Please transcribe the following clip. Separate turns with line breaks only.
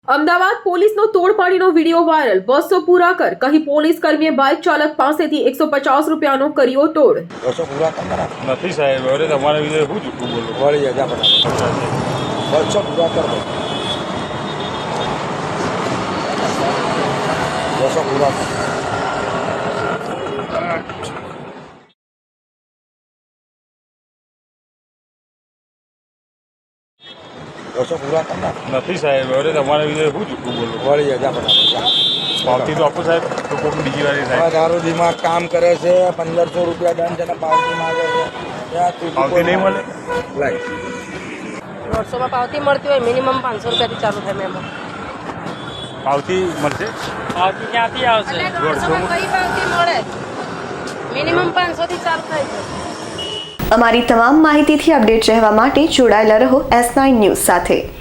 અમદાવાદ પોલીસનો તોડપાડીનો video viral. 200 પૂરા કર કહી પોલીસ કર્મીએ બાઇક ચાલક પાસેથી 150 રૂપિયાનો કર્યો તોડ।
200 પૂરા કરનારા
નથી સાહેબ, હવે તમારા વિશે શું જૂઠું બોલું?
વળી હજા ફટાફટ 200 પૂરા કર દો। 200 પૂરા કર। પૂરા કરનારા
નથી સાહેબ, હવે તમારા વિશે શું જૂઠું બોલું?
વળી હજા ફટાફટ
પાવતી તો આપો સાહેબ, તો કોઈક બીજી વાર સાહેબ
તારું દિમાગ કામ કરે છે। 1500 રૂપિયા દંડ છે ને પાવતી માંગે છે। ત્યાં તું
પાવતી નહીં મળે?
લાઈ
150 માં પાવતી મળતી હોય, મિનિમમ 500 રૂપિયાથી ચાલુ થાય મેમો।
પાવતી મળશે?
પાવતી ક્યાંથી આવશે? 150 માં કઈ પાવતી મળે? મિનિમમ 500 થી ચાલુ થાય છે।
અમારી તમામ માહિતીથી અપડેટ રહેવા માટે જોડાયેલા રહો S9 ન્યૂઝ સાથે।